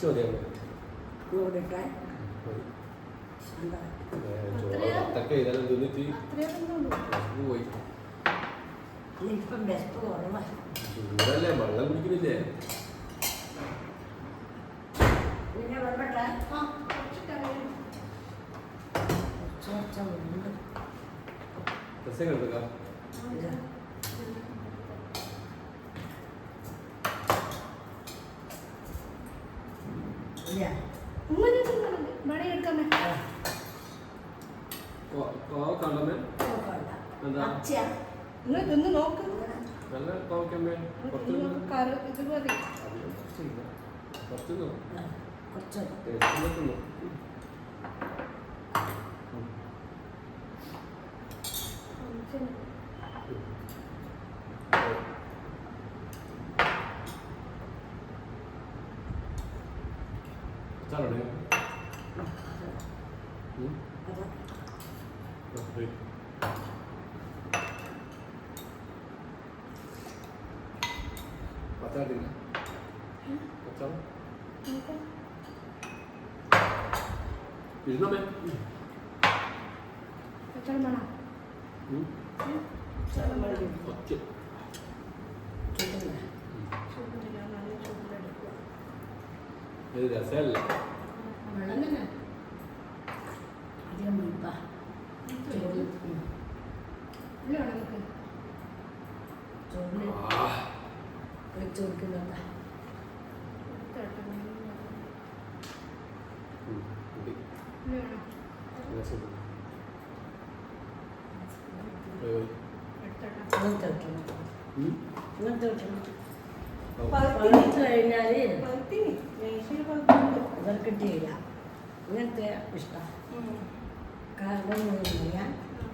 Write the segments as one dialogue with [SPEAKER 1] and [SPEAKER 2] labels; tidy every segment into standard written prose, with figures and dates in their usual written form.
[SPEAKER 1] മതിയാകും അത്തൊക്കെ ഇതെല്ലാം തിന്നിട്ട് പോയി ചൂടല്ലേ വെള്ളം കുടിക്കുന്നില്ലേ രസം കണ്ടുക്കാം
[SPEAKER 2] ഇന്ന് നോക്ക്
[SPEAKER 1] നല്ല കോവക്കമ്മേ പച്ചാടില്ല പച്ചാളം ഇരുന്നമ്മേ ഇത് രസമല്ല
[SPEAKER 3] കഴിഞ്ഞാല് കിട്ടിയില്ല ഇങ്ങനത്തെ ഇഷ്ടം കാരണം ഞാൻ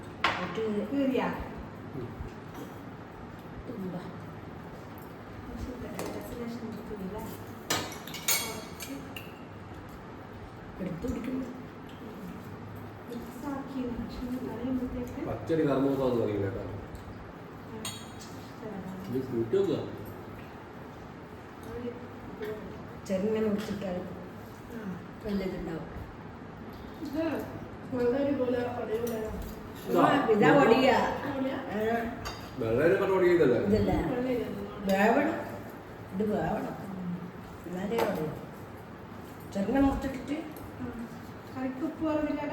[SPEAKER 1] പച്ചടി കർമ്മൂസാന്ന് പറയും കേട്ടോ കൂട്ടുക
[SPEAKER 3] ചെറുങ്ങനെ മുറിച്ചിട്ടാൽ നല്ലതുണ്ടാവും ഇതാ പൊടിയാ ഇതല്ല വേവണം ഇത് വേവണം എന്നാലേ പറയും ചെറുങ്ങനെ മുറിച്ചിട്ടിട്ട്
[SPEAKER 2] കറിക്കുപ്പ് പറഞ്ഞില്ല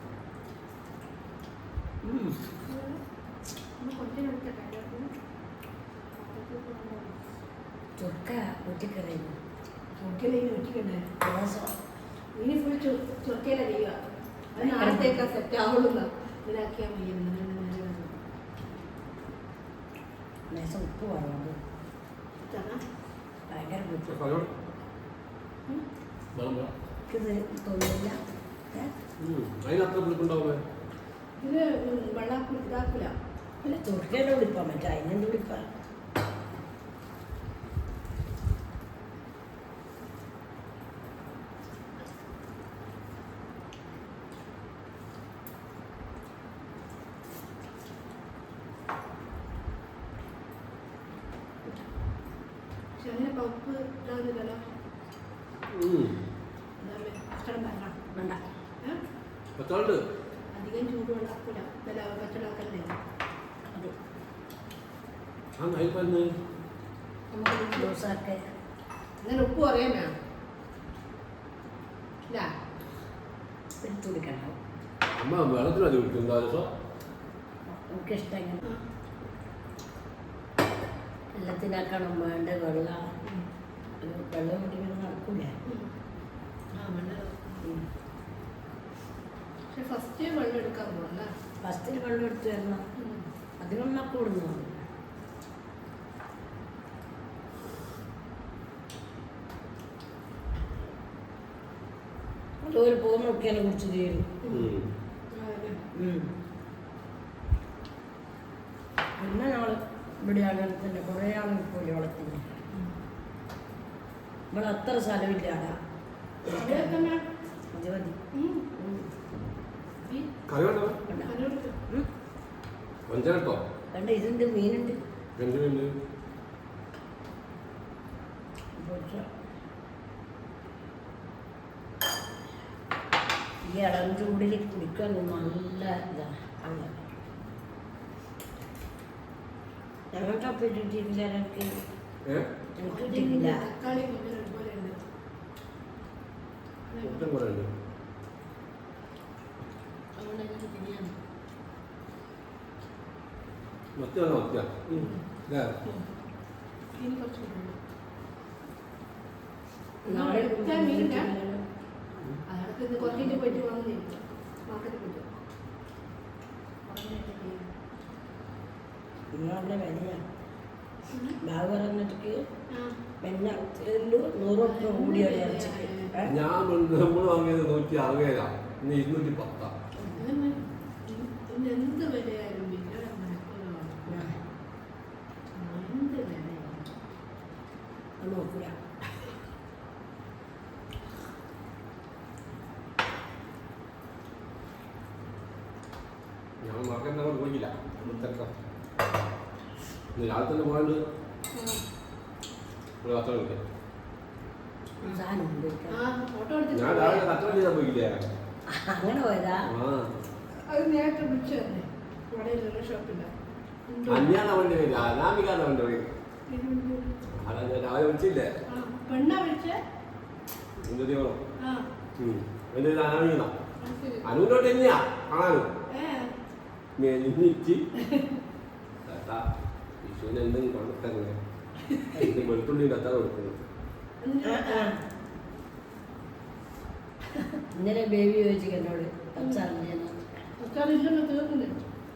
[SPEAKER 3] ചൊക്ക ഊറ്റിക്കറിയുന്നു
[SPEAKER 2] ചൊക്കയിലേക്ക് ഊറ്റിക്കണ്ടേ ഇനി ഫുൾ ചൊക്കയില ചെയ്യുക അത് നാളത്തേക്കാ സെറ്റ് ആവുള്ളൂ ഇതാക്കിയാൽ
[SPEAKER 3] ലേശം ഉപ്പ് വേണം ഭയങ്കര തോന്നില്ല
[SPEAKER 1] അതിനത്ര പുളിപ്പുണ്ടാവുമേ
[SPEAKER 2] ഇത് വെള്ളം ഇതാക്കില്ല
[SPEAKER 3] അല്ല ചൊക്കയില വിളിപ്പാൻ പറ്റും അതിനെന്ത് വിളിപ്പാ
[SPEAKER 2] അങ്ങനെ പൗപ്പ് ഇതാകുന്നില്ലല്ലോ വേണ്ട അധികം ചൂട് വെള്ളാക്കൂല പച്ചവെള്ളാക്കല്ലേ നമുക്ക് ജ്യൂസാക്കെ അങ്ങനെ ഉപ്പ് പറയാൻ വേണം ഇല്ല
[SPEAKER 3] എടുത്തു കുടിക്കണം
[SPEAKER 1] വെള്ളത്തിനത് കുടിക്കും
[SPEAKER 3] എനിക്കിഷ്ടം എല്ലാത്തിനാക്കണം വേണ്ട വെള്ളം വെള്ളം കുടിക്കണം നടക്കൂലേ
[SPEAKER 2] പക്ഷെ ഫസ്റ്റ് വെള്ളം എടുക്കാൻ പോകണ്ട
[SPEAKER 3] ഫസ്റ്റിൽ വെള്ളം എടുത്ത് തരണം അതിനൊന്നും കൂടുന്നു ഒരു പൂ നോക്കിയാൽ കുടിച്ച് തീരും പിന്നെ ഞങ്ങൾ ഇവിടെ അങ്ങനെ തന്നെ കുറേ ആളുകൾ പോയി വളർത്തിന് ഇവിടെ അത്ര സ്ഥലമില്ലാടാ കണ്ട ഇതുണ്ട് മീനുണ്ട് ഈ ഇളം ചൂടിൽ കുടിക്കാൻ നല്ല ഇതാണ് അങ്ങനെ ഞങ്ങൾക്ക് അപ്പം ഇട്ടിട്ടില്ല എനിക്ക് എനിക്ക് ഇട്ടിട്ടില്ല.
[SPEAKER 2] തക്കാളി മുന്നേ ഒരുപോലെ ഉണ്ട്.
[SPEAKER 1] മുട്ടം കുറേ ഉണ്ട്.
[SPEAKER 2] അതുകൊണ്ട് എനിക്ക് തിരിയാണ്.
[SPEAKER 1] മത്തിയാണോ മത്തിയ? ഇല്ലേ?
[SPEAKER 2] ഇനി കുറച്ച് കൂടെ.
[SPEAKER 3] നാളെ
[SPEAKER 2] എടുക്കാൻ മീനില്ല. അയാൾക്ക് ഇത് കുറച്ചിട്ട് പോയിട്ട് വാങ്ങുന്നില്ല. മാർക്കറ്റിൽ പോയിട്ട്.
[SPEAKER 3] നിങ്ങളുടെ വിലയാണ് ബാഗ് പറഞ്ഞിട്ട്
[SPEAKER 2] ആ.
[SPEAKER 3] പിന്നെ 100 റുപ്യ കൂടിയാണ് ഇറച്ചിക്ക്.
[SPEAKER 1] ഞാൻ നമ്മൾ വാങ്ങിയത് 160 ഇന്ന് 210.
[SPEAKER 2] ഇന്ന് എന്ത് വിലയായാലും പിന്നെ എന്ത് വിലയായാലും
[SPEAKER 3] അത് നോക്കില്ല.
[SPEAKER 1] ഞാൻ മാർക്കറ്റിൽ അങ്ങോട്ട് പോയില്ല. തിരക്കാം. ഇന്ന് രാവിലെ തന്നെ പോകാണ്ട് ഒരു കച്ചവടം കിട്ടിയ.
[SPEAKER 3] സാധനം ഉപയോഗിക്കാം.
[SPEAKER 2] ആ ഫോട്ടോ എടുത്ത്
[SPEAKER 1] ഞാൻ രാവിലെ കച്ചവടം ചെയ്താൽ പോയില്ലേ?
[SPEAKER 3] അങ്ങനെ പോയതാ.
[SPEAKER 1] ആ
[SPEAKER 2] അത് നേരത്തെ വിളിച്ചു തന്നെ കടയിലുള്ള ഷോപ്പില്ല
[SPEAKER 1] അന്യാണ് അവൻ്റെ പേര്, അനാമികാണ് അവൻ്റെ പേര്. അതാ ഞാൻ രാവിലെ വിളിച്ചില്ലേ?
[SPEAKER 2] പെണ്ണാ വിളിച്ചേ
[SPEAKER 1] എന്ത് ചെയ്യണം?
[SPEAKER 2] ആ
[SPEAKER 1] എൻ്റെ പേര് അനാമികനാ.
[SPEAKER 2] അത് ശരി.
[SPEAKER 1] അനുവിനോട്ട് തന്നെയാ കാണാനും.
[SPEAKER 2] ഏ
[SPEAKER 1] മെലിഞ്ഞിട്ട് കേട്ടാ വിഷുവിന് എന്തെങ്കിലും കൊണ്ടിട്ടങ്ങനെ വെളുത്തുള്ളി കത്താ കൊടുക്കുന്നത്.
[SPEAKER 3] ഇന്നലെ ബേബി ചോദിച്ചു എന്നോട് അച്ചാറിൻ്റെ
[SPEAKER 2] അച്ചാറില്ലല്ലോ തീർന്നില്ല